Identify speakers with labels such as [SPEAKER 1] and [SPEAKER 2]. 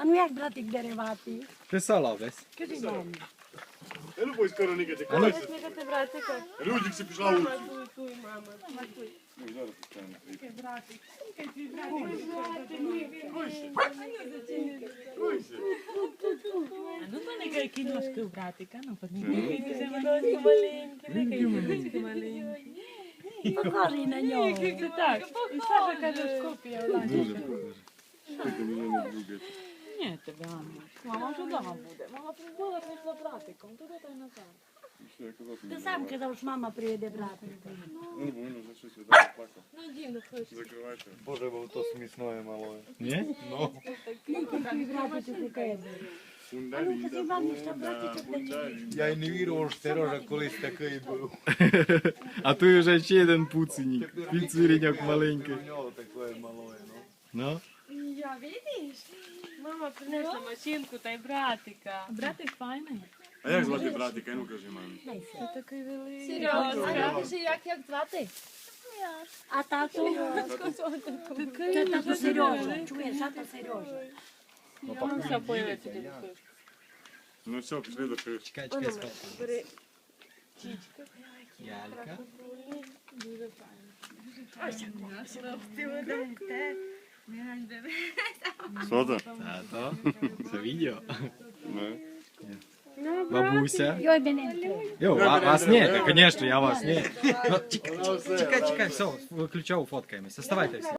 [SPEAKER 1] А ну як братик дереватий?
[SPEAKER 2] Писала десь.
[SPEAKER 1] Кажи мамі.
[SPEAKER 3] Я любой скоро не кати.
[SPEAKER 2] ну.
[SPEAKER 4] Сміхати братика.
[SPEAKER 3] Людик си пішла вулицю.
[SPEAKER 4] Туй, мама.
[SPEAKER 3] Ну, зараз пускаємо.
[SPEAKER 4] Братик.
[SPEAKER 3] Кройся.
[SPEAKER 5] А ну понекай кіношки у братика, ну
[SPEAKER 4] Ножки маленькі, ножки маленькі.
[SPEAKER 1] Похожий на нього.
[SPEAKER 4] Це так. І Саша каже, ж копія.
[SPEAKER 3] Дуже похоже. Тільки мене не двигати.
[SPEAKER 5] Ні, тебе Анна. Мама вже вдома буде. Мама прибула, прийшла братиком, туди та й назад.
[SPEAKER 3] Що я казав?
[SPEAKER 1] Ти сам казав, що мама приведе братика.
[SPEAKER 3] Ну, бо він вже щось віддав, плакав.
[SPEAKER 4] Ну, дівно хоче.
[SPEAKER 3] Закривайте.
[SPEAKER 2] Боже, бо то смішне малое. Ні?
[SPEAKER 1] Твій братик таке.
[SPEAKER 3] Фундалі,
[SPEAKER 1] Кажи мамі, що братик
[SPEAKER 3] фундалі.
[SPEAKER 2] Я й не вірив, що Сережа колись такий був.
[SPEAKER 6] А тут вже ще один пуценік. Піцвіріньок маленький.
[SPEAKER 2] У нього таке малое, ну.
[SPEAKER 6] Ну?
[SPEAKER 4] Я, видиш? Мама принесла машинку та й братика.
[SPEAKER 5] Братик файний.
[SPEAKER 3] А як звати братика? Ну кажи мамі.
[SPEAKER 4] Це такий великий.
[SPEAKER 7] Серйозно? Як звати?
[SPEAKER 1] А тату? Це тато Сережа. Чуєш, тато Сережа.
[SPEAKER 4] Ну, все, появиться дядя Кошка.
[SPEAKER 3] Ну все, пішли до кришки.
[SPEAKER 6] Чекай, чекай, сфоткаю.
[SPEAKER 4] Бери.
[SPEAKER 6] Ялька.
[SPEAKER 4] Дуже файно.
[SPEAKER 3] Що це?
[SPEAKER 6] Тато. Це відео.
[SPEAKER 3] Ну.
[SPEAKER 6] Бабуся.
[SPEAKER 1] Йой, мене.
[SPEAKER 6] Йо, вас нет, конечно, я вас нет. Ну, чекай, все, виключав, фоткаємося. Оставайтесь.